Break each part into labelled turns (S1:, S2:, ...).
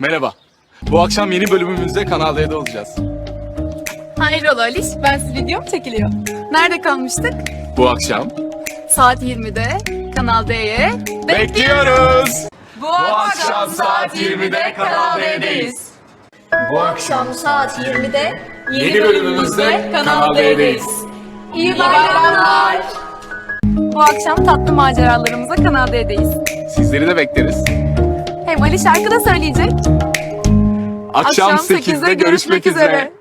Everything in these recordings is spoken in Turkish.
S1: Merhaba. Bu akşam yeni bölümümüzde Kanal D'de olacağız.
S2: Hayrola Aliş, ben videom çekiliyor. Nerede kalmıştık?
S1: Bu akşam
S2: Saat 20'de Kanal D'ye
S1: bekliyoruz.
S2: Bu
S1: akşam saat 20'de Kanal D'deyiz.
S3: Bu akşam saat 20'de
S1: Yeni bölümümüzde Kanal D'deyiz.
S2: İyi bayramlar. Bu akşam tatlı maceralarımıza Kanal D'deyiz.
S1: Sizleri de bekleriz.
S2: Hem Ali şarkı da söyleyecek.
S1: Akşam 8'de görüşmek üzere.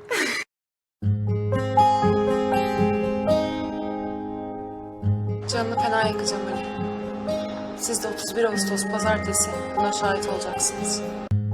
S4: Canını fena yakacağım Ali. Siz de 31 Ağustos pazartesi buna şahit olacaksınız.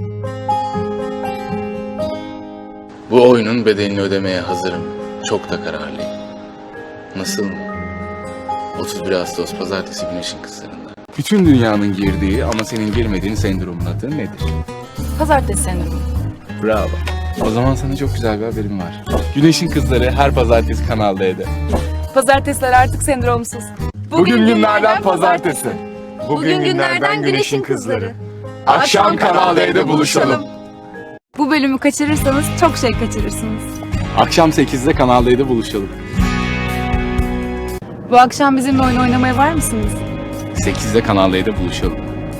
S5: Bu oyunun bedelini ödemeye hazırım. Çok da kararlıyım. Nasıl mı? 31 Ağustos pazartesi Güneşin Kızlarında.
S1: Bütün dünyanın girdiği ama senin girmediğin sendromun adı nedir?
S2: Pazartesi sendromu.
S1: Bravo. O zaman sana çok güzel bir haberim var. Güneşin Kızları her pazartesi Kanal D'de.
S2: Pazartesiler artık sendromsuz.
S1: Bugün günlerden pazartesi.
S2: Bugün günlerden Güneşin Kızları.
S1: Akşam Kanal D'de buluşalım.
S2: Bu bölümü kaçırırsanız çok şey kaçırırsınız.
S1: Akşam 8'de Kanal D'de buluşalım.
S2: Bu akşam bizimle oyun oynamaya var mısınız?
S1: 8'de Kanal D'de buluşalım.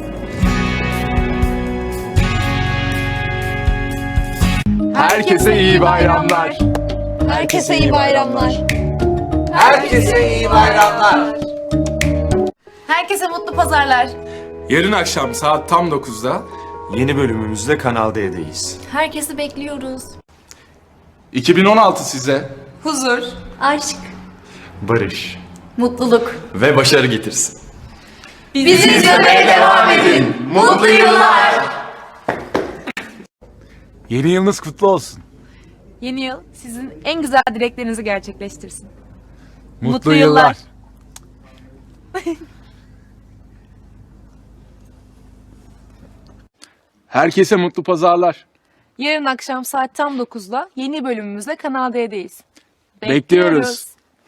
S1: Herkese iyi bayramlar.
S3: herkese iyi bayramlar.
S6: Herkese iyi bayramlar.
S2: Herkese mutlu pazarlar.
S1: Yarın akşam saat tam 9'da
S6: Yeni bölümümüzde Kanal D'deyiz.
S3: Herkesi bekliyoruz.
S1: 2016 size.
S2: Huzur.
S3: Aşk,
S6: Barış
S3: mutluluk.
S6: ve başarı getirsin.
S2: Bizi izlemeye devam edin.
S3: Mutlu yıllar.
S1: Yeni yılınız kutlu olsun.
S2: Yeni yıl sizin en güzel dileklerinizi gerçekleştirsin.
S1: Mutlu yıllar. Herkese mutlu pazarlar.
S2: Yarın akşam saat tam 9'da yeni bölümümüzle Kanal D'deyiz.
S1: Bekliyoruz.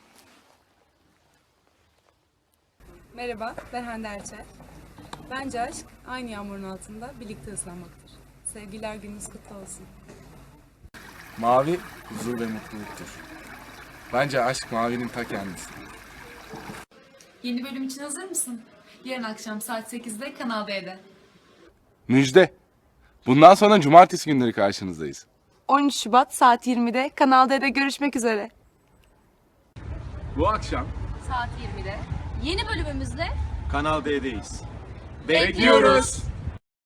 S7: Merhaba, ben Hande Erçel. Bence aşk aynı yağmurun altında birlikte ıslanmaktır. Sevgililer gününüz kutlu olsun.
S1: Mavi huzur ve mutluluktur. Bence aşk mavinin ta kendisi.
S2: Yeni bölüm için hazır mısın? Yarın akşam saat 8'de Kanal D'de.
S1: Müjde. Bundan sonra cumartesi günleri karşınızdayız.
S2: 13 Şubat saat 20'de Kanal D'de görüşmek üzere.
S1: Bu akşam
S3: Saat 20'de yeni bölümümüzde
S6: Kanal D'deyiz.
S1: bekliyoruz.